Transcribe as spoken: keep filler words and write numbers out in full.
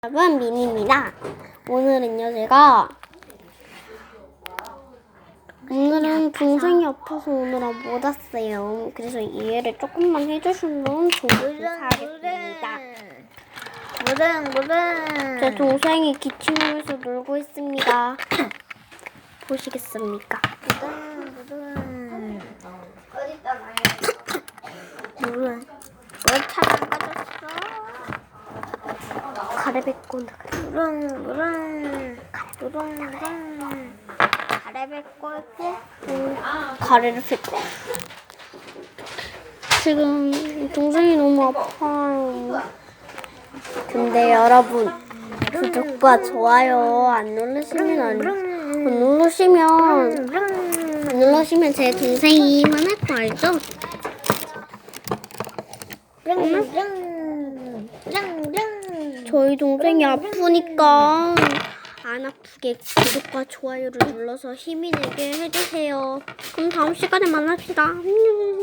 여러분, 미니입니다. 오늘은요, 제가 오늘은 동생이 아파서 오늘은 못 왔어요. 그래서 이해를 조금만 해주시면 감사하겠습니다. 무릉 무릉 제 동생이 기침하면서 놀고 있습니다. 보시겠습니까? 무릉 무릉 어딨다 나요? 무릉 뭘차안 가졌어? 가래백곤 무릉 무릉 무릉 무릉 가래백골 가래를 뱉고 지금 동생이 너무 아파요. 근데 여러분, 구독과 좋아요 안 누르시면 안, 안 누르시면 안 누르시면 제 동생이 화날 거 알죠? 저희 동생이 아프니까 안 아프게 구독과 좋아요를 눌러서 힘이 내게 해주세요. 그럼 다음 시간에 만납시다. 안녕.